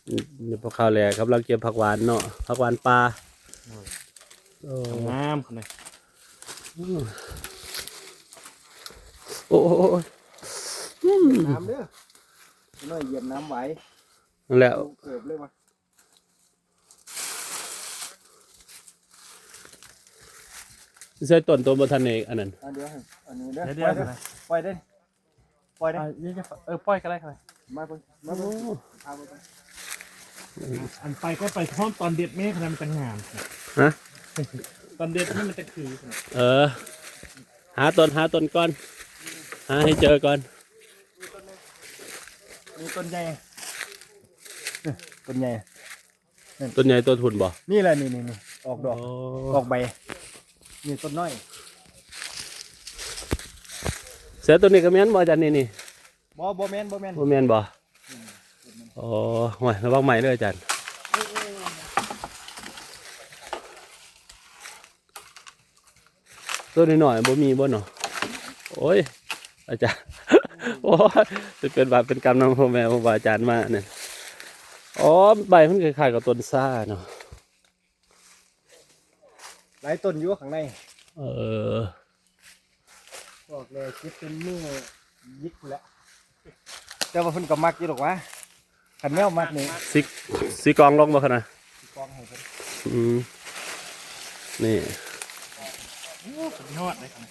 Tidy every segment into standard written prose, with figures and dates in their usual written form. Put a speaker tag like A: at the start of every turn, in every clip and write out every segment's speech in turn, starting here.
A: นี่พอข้าวแหล่ครับเราเก็บผักหวานเนาะผักหวานปลา
B: งามคนไหน
A: โอ้
C: น้ำเด้อน้อยเหยียบน้ำไหว
A: แล้ว
C: เกิดเลยวะ
A: ใส่ต้นตัวบนทันเอกอันนั้น
C: เดี๋ยวอันนี้เด้อ
B: เดี๋ยว
C: ปล่อยได้ปล่อยได้
B: ปล่อยก็ได้ครับ
C: มาเพิ่งมาเพิ่งเอาไป
B: อันไปก็ไปพร้อมตอนเด็ดแม่ขนาดมันจะงาม
A: ฮะ
B: ตอนเด็ดนี่มันจะคือ
A: หาต้นก่อนหาให้เจอก่อน
C: มีต้นใหญ่ต้นใหญ่
A: ต้นทุนบ่
C: นี่แหละนี่ออกดอกออกใบนี่ต้นน้อย
A: เสือตัวนี้ก็แม่นบ่อาจารย์นี่
C: บ่แม่น
A: บ่แม่นบ่อ๋อห่วยระวังใหม่เลยอาจารย์ตัวนี้หน่อยบ่มีบ่เนาะโอ้ยอาจารย์โอ้ยจะเป็นบาปเป็นกรรมนำพ่อแม่พ่ออาจารย์มาเนี่ยอ๋อใบมันคล้ายๆกับต้นซ่าเนาะ
C: หลายต้นอยู่ข้างในบอกเลยคิดเป็นมือยิกแล้วแต่ว่าเพิ่นก็มักอยู่หรอกวะขันแมวมักนี่
A: สีกองลงบ่ขนาด
C: กองให้เพิ่น
A: นี่
B: ยอดเลยครับ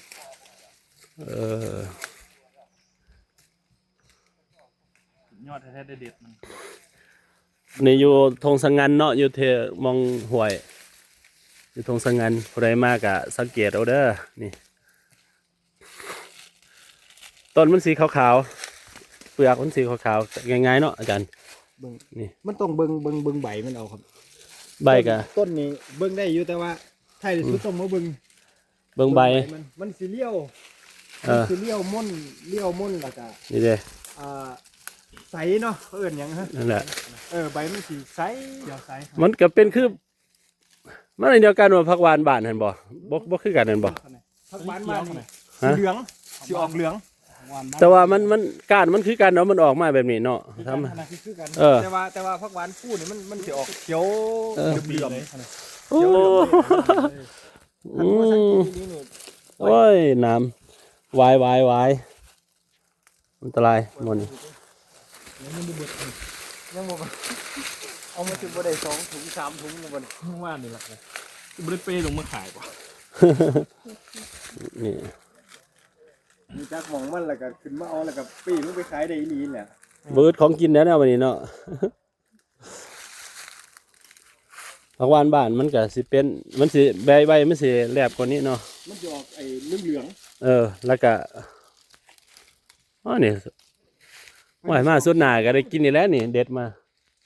B: ยอดแท้ๆเด็ดมัน
A: นี่อยู่ทงสังงันเนาะอยู่เทมองห่วยอยู่ทงสังงันผู้ใดมากอะสังเกตเอาเด้อนี่ต้นมันสีขาวๆเปลือกมันสีขาวๆง่ายๆเนาะอาจารย์
C: นี่มันต้องเบิ่งใบมันเอาครับ
A: ใบกะ
C: ต้นนี้เบิ่งได้อยู่แต่ว่าท้ายที่สุดต้องมาเบิ่ง
A: ใบ
C: มันสีเลี้ยวม่นแล้วก็
A: นี่เด้
C: ใสเนาะเอิ้นหยังฮะ
A: นั่นแหละ
C: ใบมันสีใสเดี๋ยวใส
A: มันก็เป็นคือมันเดียวกันว่าผักหวานบ้านเห็นบ่คือกันเห็นบ่
C: ผักหวานบ้านสีเหลืองสีออกเหลือง
A: แต่ว่ามันก้านมันคือกันเนาะมันออกมาแบบนี้เนาะทำ
C: แต่ว่าผักหวานคู่นี่มันสีออกเขียวเหลือง
A: โอ้ยน้ำวายอันตรายหมด
C: ยังบ่เอามาถึงบ่ได้2 ถุง 3 ถุงบ่นี่
B: ว่านี่แหละบริเปลงมาขายกว่า
A: นี่
C: มีจักหม่องมันแล้วก็ขึ้นมาเอาแล้วก็ปีมันไปขายได้อีหลีแหละ
A: เบิดของกินแล้วเนี่ยวันนี้เนาะผักหวานบ้านมันก็สิเป็นมันสิใบมันสิแหลบกว่านี้เนาะ
C: มันจะออกไอ้เหลือง
A: แล้วก็นี่ว่ามาสุดหน้าก็ได้กินนี่แล้วนี่เด็ดมา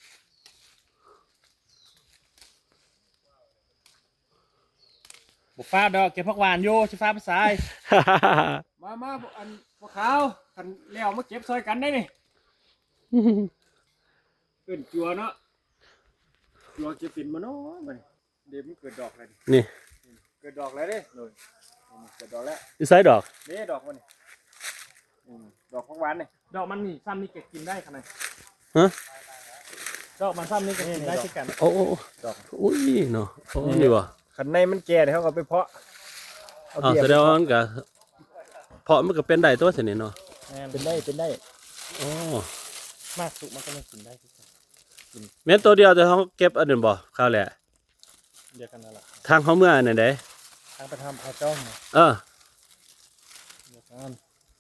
B: บุฟ้าดอกเก็บผักหวานโย่ชิฟ้าภาษา
C: มาอันพวกเขาคันแล้วมาเก็บซอยกันได้นี่เกินจัวเนาะจัวเก็บปิ่นมาเนาะมันเดี๋ยวมันเกิดดอกอะไร
A: นี่
C: เกิดดอกอะไรเด้เลยเกิดดอกแล้ว
A: อีไซดอก
C: นี่ดอกมันนี่ดอกผักหวานนี่
B: ดอกมันนี่ซ้ำนี่เก็บกินได้ขนาด
A: ฮะ
B: ดอกมันซ้ำนี่เก็บกินได้เช่นกัน
A: โอ้ดอกอุ้ยเนาะนี่วะ
C: ขันในมันแก่เนี่ยเขาก็ไปเพาะ
A: แสดงว่ามันก็เพาะมันก็เป็นได้ตัวเสน่ห์เนาะ
C: เป็นได้
A: โอ้
B: มากสุกมันก็ไม่กินได้
A: แม้ตัวเดียวแต่เขาเก็บอันอื่นบ่ข้าวแหละ
B: เดียวกันนั่นแหละ
A: ทางเขาเมื่อไหน
B: ทางไปทำพาจ้อง
A: เดียวกัน